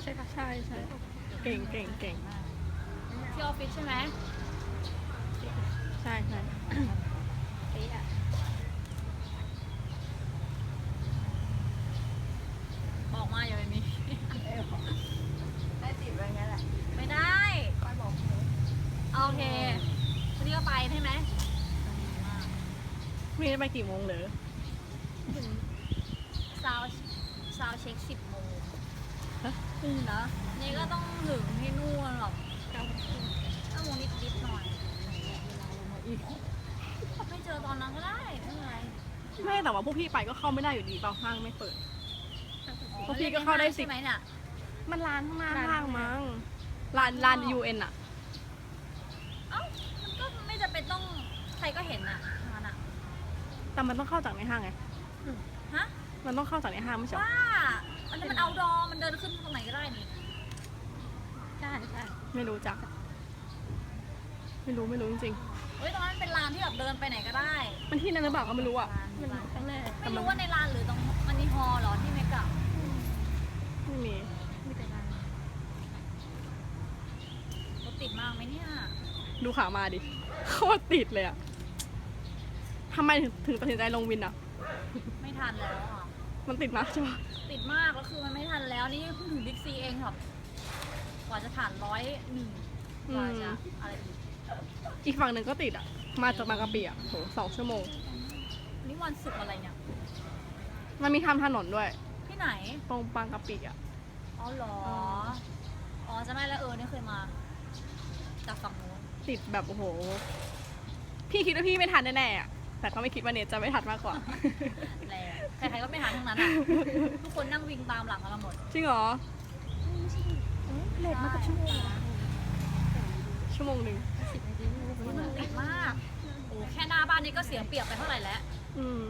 ใช่ค่ะใช่เก่งที่ออฟฟิศใช่ไหมใช่บอกมาอย่าไปมีได้ติดไว้งั้นแหละไม่ได้คอยบอกโอเควันนี้ก็ไปใช่ไหมมีได้ไปกี่โมงเหรอซาวเช็ค10 โมงฮะนะนี่ก็ต้องถึงที่นู่นหรอก9 โมงนิดหน่อยไม่เจอตอนนั้นก็ได้ไม่เป็นไรไม่แต่ว่าพวกพี่ไปก็เข้าไม่ได้อยู่ดีเปล่าห้างไม่เปิด พวกพี่ก็เข้าได้10 ใช่ไหมเนี่ยมันร้านข้างหน้าห้างมั้งร้าน UN อ่ะเอ้ามันก็ไม่จำเป็นต้องใครก็เห็นอ่ะงานอ่ะแต่มันต้องเข้าจากในห้างไงฮะมันต้องเข้าจากในห้างไม่ใช่เหรอว่ามันเอาดอมันเดินขึ้นตรงไหนก็ได้นี่ใช่ไม่รู้จักไม่รู้จริงเฮ้ยตรงนั้นเป็นลานที่แบบเดินไปไหนก็ได้ๆมันที่นั่นหรือเปล่าก็ไม่รู้อ่ะมันครั้งแรกไม่รู้ว่าในลานหรือตรงมันนี่ฮอลล์เหรอที่เมกะไม่มีมีแต่ร้านรถติดมากไหมเนี่ยดูขามาดิโคตรติดเลยอ่ะทำไมถึงตัดสินใจลงวินอ่ะไม่ทันแล้วอ่ะมันติดมากใช่ปะติดมากแล้วคือมันไม่ทันแล้วนี่เพิ่งถึงบิ๊กซีเองครับกว่าจะผ่าน101กว่าจะอะไรอีกอีกฝั่งหนึ่งก็ติดอ่ะ มาจากบางกะปิอ่ะโห2 ชั่วโมงวันนี่วันศุกร์อะไรเนี่ยมันมีทำถนนด้วยที่ไหนตรงบางกะปิอ่ะอ๋อเหรอ อ๋อจะไม่แล้วนี่เคยมา จากฝั่งนู้นติดแบบโอ้โห พี่คิดว่าพี่ไม่ทันแน่ๆอ่ะ แต่ก็ไม่คิดว่าเนทจะไม่ทันมากกว่าแล้วใครๆก็ไม่ทันทั้งนั้นอ่ะ ทุกคนนั่งวิ่งตามหลังกันหมดจริงเหรอเลทมากับชั่วโมงชั่วโมงหนึ่ง 10 นาทีนี่มันติดมาก โอ้แค่หน้าบ้านนี้ก็เสียเปรียบไปเท่าไหร่แล้วอืม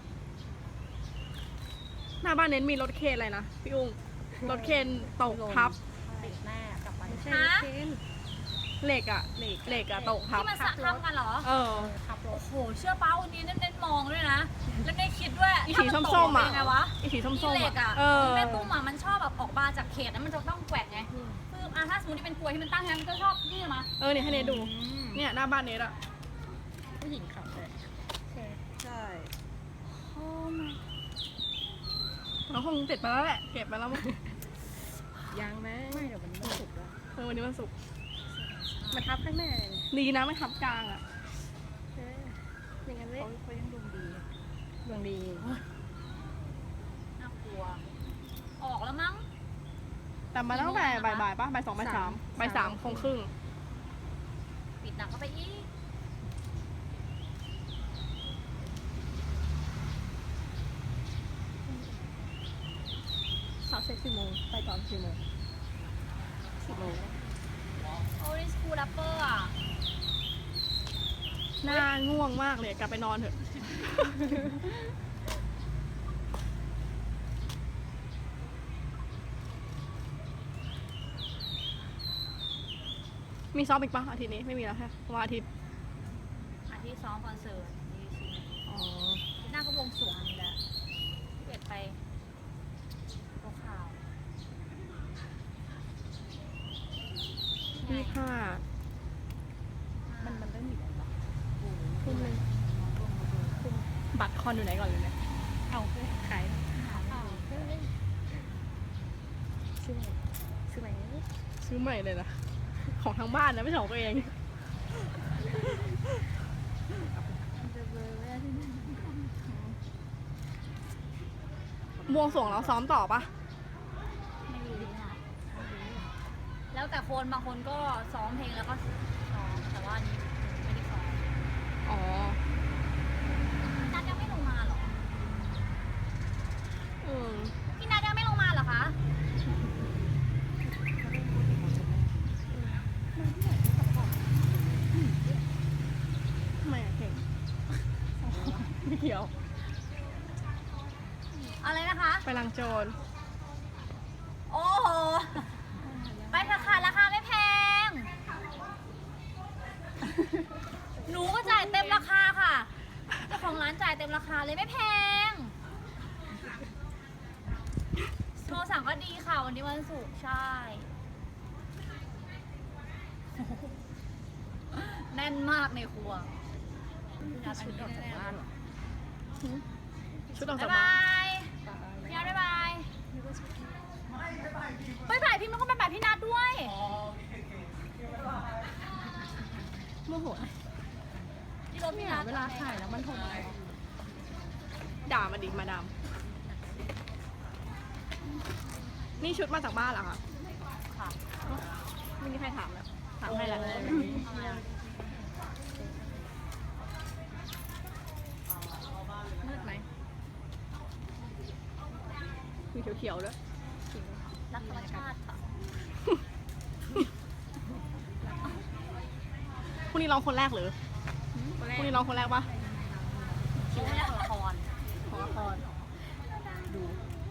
หน้าบ้านเน้นมีรถเคนอะไรนะพี่อุ้งรถเคนตกทับติดแน่กลับไปไม่ใช่ฮะเคนเหล็กอะตกทับที่มันสะทำกันเหรอเออขับรโอ้ถโห เชื่อป้าวันนี้เน้นๆมองด้วยนะ แล้วได้คิดด้วยอีสีถ้าส้มๆนตกอ่ะเป็นยังไงวะอีสีส้มที่เหๆล็กอ่ะเออแม่ตุ้มอ่ะมันชอบแบบออกมาจากเขตนั้นมันจะต้องแกว่งไงคือถ้าสมมติที่เป็นกลวยที่มันตั้งงั้นมันก็ชอบนี่มาเออเนี่ยให้เนทดู เนี่ยหน้าบ้านเนทอะผู้หญิงขับเลยใช่โอ้my เราคงเสร็จไปแล้วแหละ เก็บไปแล้วมั้งยังไหมไม่เดี๋ยววันนี้มันสุกร์แล้ววันนี้วันศุกร์มาทับข้างหน้าเลยดีนะไม่ทับกลางอะอย่างนั้นเลยเขายังดวงดีดวงดีน่ากลัว ออกแล้วมั้งแต่มาตั้งแต่บ่ายๆป่ะบ่าย 2 บ่าย 3บ่าย 3 คงครึ่งปิดหนักเข้าไปอีกสาวเช็ค10 โมง ไปตอน10 โมง 10 โมงโอ้ยสกูลัปเปอร์อ่ะหน้าง่วงมากเลยกลับไปนอนเถอะ มีซ้อมอีกปะอาทิตย์นี้ไม่มีแล้วแค่วันอาทิตย์อาทิตย์ซ้อมคอนเสิร์ตดีซีอ๋อหน้าก็วงสวงนี่แหละที่เบ็ดไปโลข่าว 25 มันเริ่มมีแล้วทุ่มนึงบัตรคอนอยู่ไหนก่อนเลยเนี่ยเอาขายซื้อไหมซื้อไหมซื้อใหม่เลยนะ ของทางบ้านนะไม่ใช่ของตัวเอง บวงสรวงแล้วซ้อมต่อปะไม่รู้ค่ะแล้วแต่คนบางคนก็ซ้อมเพลงแล้วก็ซ้อมแต่ว่าอันนี้ไม่ได้ซ้อมอ๋อนัดยังไม่ลงมาเหรออืมพี่นัดยังไม่ลงมาเหรอคะทำไมอะเก่ง ไม่เกี่ยวอะไรนะคะไปลังโจรโอ้โห ไปเถอะค่ะราคาไม่แพง หนูก็จ่ายเต็มราคาค่ะ เจ้าของร้านจ่ายเต็มราคาเลยไม่แพงโทรสั่งก็ดีค่ะวันนี้วันศุกร์ใช่แน่นมากในครัวชุดออกจากบ้านเหรอชุดออกบ๊าจากยบ้าบาน ยพี่นัทบ๊ายบายบ๊ายบายพี่มันก็บ๊ายบายพี่นัทด้วยโมโหที่รถพี่นัทเวลาถ่ายแล้วมันโทรมาด่ามาดิมาดามนี่ชุดมาจากบ้านเหรอคะค่ะไม่มีใครถามแล้วถามให้แล้วทำไมอ่ะมืดไหมมีเขียวๆด้วยรักธรรมชาติค่ะพรุ่งนี้ร้องคนแรกหรือพรุ่งนี้ร้องคนแรกปะคิวแรกของละครของละครดู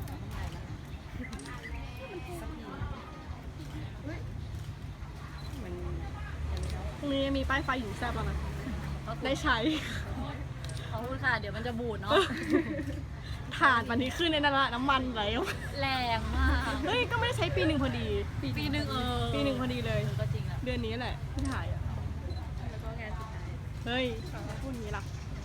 มันพรุ่งนี้มีป้ายไฟอยู่แซ่บแล้วนะ ได้ใช้ขอบคุณค่ะ เดี๋ยวมันจะบูดเนาะถ่านวันนี้ขึ้นในนั้นละน้ำมันไหลออกแรงมากเฮ้ย ก็ไม่ได้ใช้ปีหนึ่งพอดีปีหนึ่งปีหนึ่งพอดีเลยก็จริงแหละเดือนนี้แหละที่ถ่ายอ่ะแล้วก็งานสุดท้ายเฮ้ยพูดอย่างนี้ล่ะ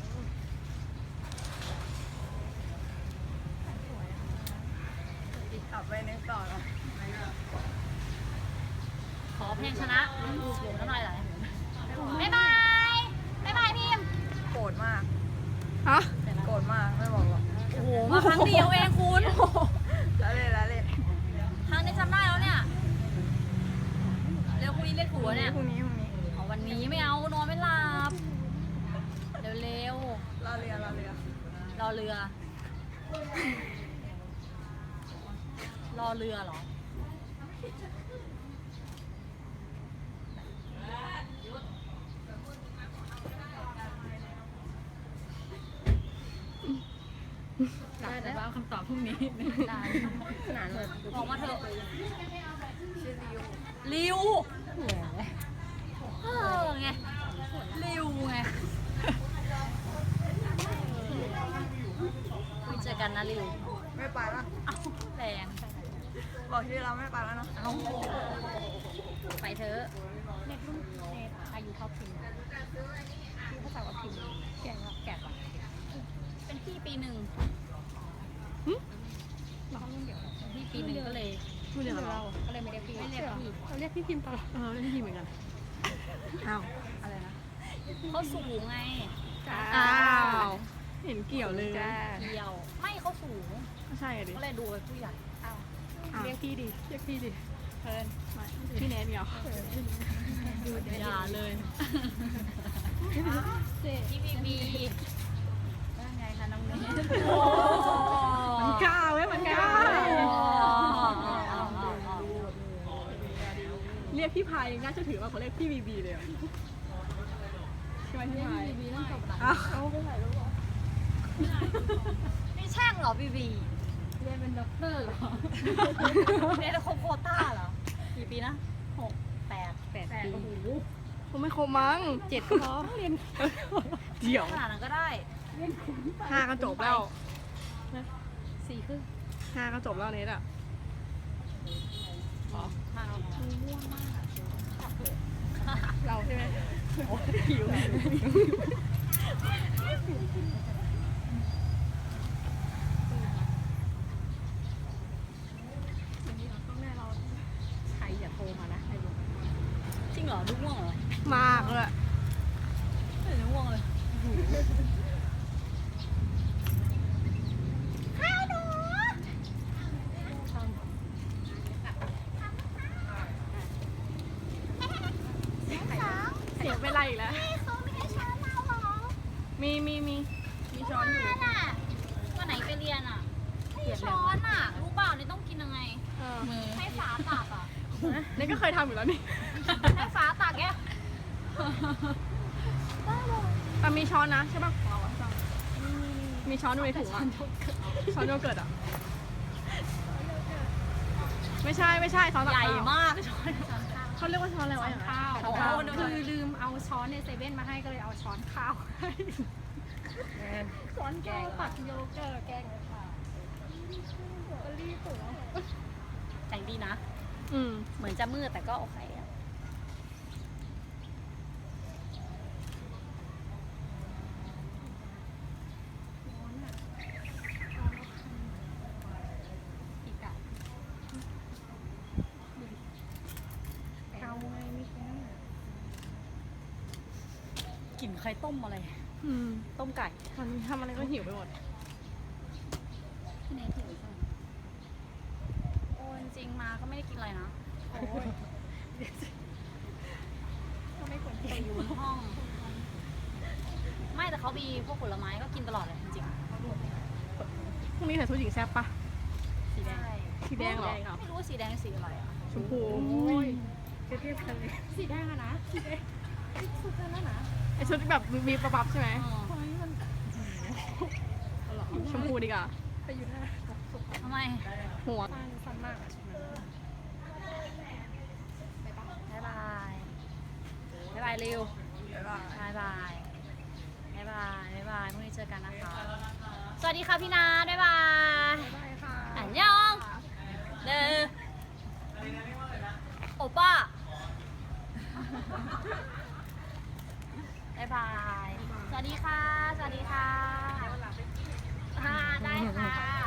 กลับไปนึกต่อเนาะขอเพลงชนะน้ำลายไหลบ๊ายบายบ๊ายบายพิมพ์โกรธมากฮะโกรธมากไม่บอกหรอกโอ้โหมาครั้งเดียวเองคุณแล้วเล่นแล้วเล่นครั้งนี้จำได้แล้วเนี่ย เร็วพรุ่งนี้เล่นหัวเนี่ยพรุ่งนี้เอาวันนี้ไม่เอานอนไม่หลับ เร็วรอเรือๆรอเรือ รอเรือเหรอได้แต่ว่าคำตอบพรุ่งนี้ได้ขนาดแบบบอกมาเถอะชื่อริวริวแหมไงริวไงไม่เจอกันนะริวไม่ไปละเอ้าแรงบอกชื่อเราไม่ไปแล้วเนาะเอ้าไปเถอะเน็ตรุ่นเน็ตอายุเท่าพิมพ์ชื่อภาษาว่าพิมพ์แก่แล้วแก่กว่าเป็นพี่ปีหนึ่งเรารุ่นเดียวกันพี่ปีหนึ่งก็เลยพูดเรื่องอะไรเราก็เลยไม่ได้พี่ไม่เรียกพี่เราเรียกพี่พิมพ์ตลอดเล่นทีเหมือนกัน อ้าวอะไรนะเขาสูงไงอ้าว เห็นเกี่ยวเลยจ้าเดียว ไม่เขาสูงไม่ใช่อะดิก็เลยดูเป็นผู้ใหญ่อ้าวอ้าวเรียกพี่ดิเรียกพี่ดิเพิ่นพี่เนทเหรออย่าเลยเจ๊พี่บีบีว่าไงคะน้องเนยมันกล้าเว้ยมันกล้า เรียกพี่พายยังน่าจะถือมากกว่าเรียกพี่บีบีเลยอะใช่ไหมพี่พายบีต้องจบนะอ้าวเอาไปไหนรู้ป่ะนี่แช่งเหรอบีบีเรียนเป็นด็อกเตอร์เหรอเนี่ยจะครบโควต้าเหรอ กี่ปีนะ8 8 ปีโอ้โหคงไม่ครบมั้ง 7ก็พอเรียนเดี๋ยวขนาดนั้นก็ได้ 5ก็จบแล้ว 4 ครึ่ง 5ก็จบแล้วเนทอะมาเอาม่วงมากเราใช่ไหมหิวต้องแน่เราใครอย่าโทรมานะไอ้ลุงจริงเหรอดูง่วงเหรอมากเลยไม่ดูง่วงเลยให้หนูเสียเวลาอีกแล้วเขาไม่ให้ช้อนเราเหรอมีช้อนอยู่นั่นน่ะวันไหนไปเรียนอ่ะให้ช้อนอ่ะ รู้เปล่านี่ต้องกินยังไงเออให้ฟ้าตักอ่ะนี่ก็เคยทำอยู่แล้วนี่ให้ฟ้าตักแกแต่มีช้อนนะใช่ป่ะมีช้อนอยู่ในถุงอะช้อนโยเกิร์ตอะไม่ใช่ช้อนตักใหญ่ข้าวมากช้อนเขาเรียกว่าช้อนอะไรวะอย่างนั้นข้าวช้อนข้าวคือลืมเอาช้อนในเซเว่นมาให้ก็เลยเอาช้อนข้าวให้ช้อนแกงตักโยเกิร์ตแกงเลยค่ะรีบหัวใจงดีนะอืมเหมือนจะมืดแต่ก็โอเคอะอีกอะเกาไงไม่แค่นั้นกลิ่นไข่ต้มอะไรอืมต้มไก่ตอนนี้ทำอะไรก็หิวไปหมดพี่เนทหิวใช่ไหมโอ้จริงๆมาก็ไม่ได้กินอะไรนะโอ้ยก็ไม่ควรกินแต่อยู่บนห้อง ไม่แต่เขามีพวกผลไม้ก็กินตลอดเลยจริงพรุ่งนี้ใส่ชุดหญิงแซ่บปะๆสีแดงสีแดงเหรอไม่รู้ว่าสีแดงหรือสีอะไรอ่ะชมพูเทียบกันเลยสีแดงอะนะสีแดงสุดแล้วนะไอชุดแบบมีประปับใช่ไหมทำไมมันชมพูดีกว่าไปอยู่หน้าสุดทำไมหัวบ้านสั้นมากอะใช่ไหมไปปะบ๊ายบาย บ๊ายบายเร็วบ๊ายบาย บ๊ายบาย บ๊ายบายพรุ่งนี้เจอกันนะคะ สวัสดีค่ะพี่นาบ๊ายบายบ๊ายบายค่ะอันยองเด้อโอป้าบ๊ายบาย สวัสดีค่ะ สวัสดีค่ะได้ค่ะ